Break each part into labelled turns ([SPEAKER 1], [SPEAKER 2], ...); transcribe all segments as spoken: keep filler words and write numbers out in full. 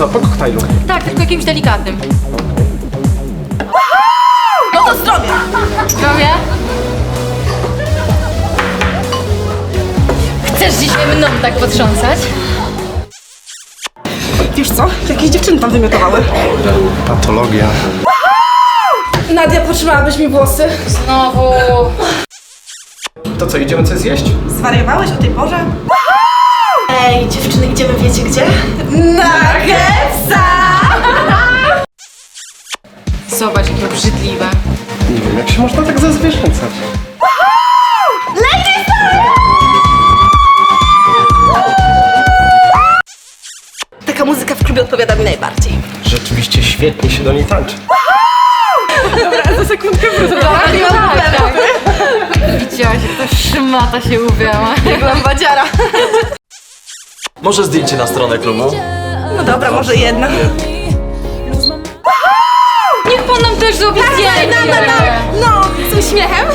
[SPEAKER 1] co, po koktajlu?
[SPEAKER 2] Tak, tylko jakimś delikatnym.
[SPEAKER 3] No to zdrowie!
[SPEAKER 2] Zdrowie? Chcesz dzisiaj mną tak potrząsać?
[SPEAKER 3] Wiesz co? Jakieś dziewczyny tam wymiotowały.
[SPEAKER 1] Patologia.
[SPEAKER 3] Nadia, potrzymałabyś mi włosy?
[SPEAKER 2] Znowu.
[SPEAKER 1] To co, idziemy coś zjeść?
[SPEAKER 3] Zwariowałeś o tej porze? Ej, dziewczyny, idziemy wiecie gdzie? Na Kepsa!
[SPEAKER 2] Zobacz, jakie obrzydliwe.
[SPEAKER 1] Nie wiem, jak się można tak zazwierzęcać.
[SPEAKER 3] Taka muzyka w klubie odpowiada mi najbardziej.
[SPEAKER 1] Rzeczywiście świetnie się do niej tańczy.
[SPEAKER 3] Za sekundkę wrócę.
[SPEAKER 2] Tak, tak. Widziałaś, jak ta szmata się uwiała.
[SPEAKER 3] Byłam badziara.
[SPEAKER 4] Może zdjęcie na stronę klubu?
[SPEAKER 3] No dobra, może jedna.
[SPEAKER 2] Niech pan nam też zrobi zdjęcie.
[SPEAKER 3] No, no, no, no, z uśmiechem.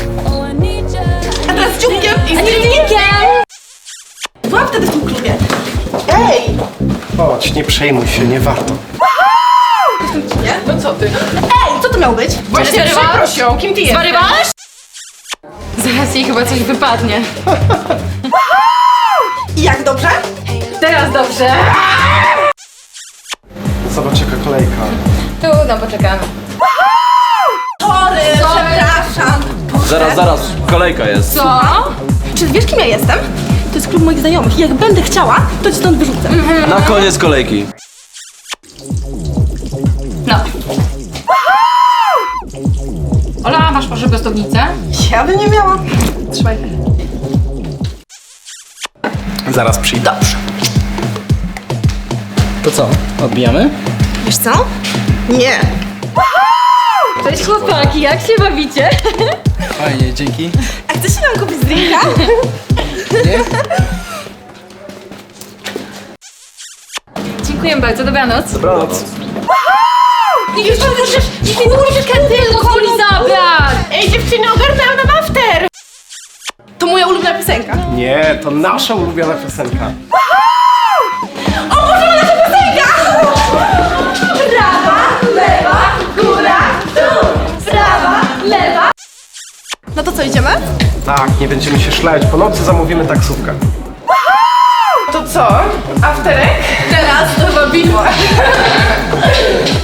[SPEAKER 3] A teraz dzióbkiem i zdjęciem. Byłam wtedy w tym klubie. Ej!
[SPEAKER 1] Chodź, nie przejmuj się, nie warto.
[SPEAKER 3] Nie?
[SPEAKER 2] No co ty?
[SPEAKER 3] Ej, co to miało być?
[SPEAKER 2] Właśnie
[SPEAKER 3] przeprosią, kim ty jesteś?
[SPEAKER 2] Zwarywałaś? Zaraz jej chyba coś wypadnie.
[SPEAKER 3] I jak dobrze?
[SPEAKER 2] Teraz dobrze.
[SPEAKER 1] Zobacz jaka kolejka.
[SPEAKER 2] Tu, no poczekamy.
[SPEAKER 3] Sorry, przepraszam.
[SPEAKER 4] Zaraz, zaraz, kolejka jest.
[SPEAKER 2] Co?
[SPEAKER 3] Czy wiesz, kim ja jestem? To jest klub moich znajomych i jak będę chciała, to cię stąd wyrzucę.
[SPEAKER 4] Na koniec kolejki.
[SPEAKER 2] No. Ola, masz proszę prostownicę?
[SPEAKER 3] Ja bym nie miała. Trzymaj.
[SPEAKER 1] Zaraz przyjdę.
[SPEAKER 3] Dobrze.
[SPEAKER 5] To co, odbijamy?
[SPEAKER 3] Wiesz co? Nie.
[SPEAKER 2] Cześć chłopaki, jak się bawicie?
[SPEAKER 5] Fajnie, dzięki.
[SPEAKER 3] A chcesz się nam kupić drinka?
[SPEAKER 5] Nie?
[SPEAKER 2] Dziękuję bardzo, dobranoc.
[SPEAKER 1] Dobranoc.
[SPEAKER 2] Nie już możesz, nie możesz tylko mi zabrać!
[SPEAKER 3] Ej, dziewczyny, ogarnęłam nam after! To moja ulubiona piosenka.
[SPEAKER 1] Nie, to nasza ulubiona piosenka.
[SPEAKER 3] O Boże, nasza piosenka! Prawa, lewa, góra, dół. Prawa, lewa. No to co, idziemy?
[SPEAKER 1] Tak, nie będziemy się szlać. Po nocy zamówimy taksówkę.
[SPEAKER 3] To co? Afterek? Teraz to bawiło.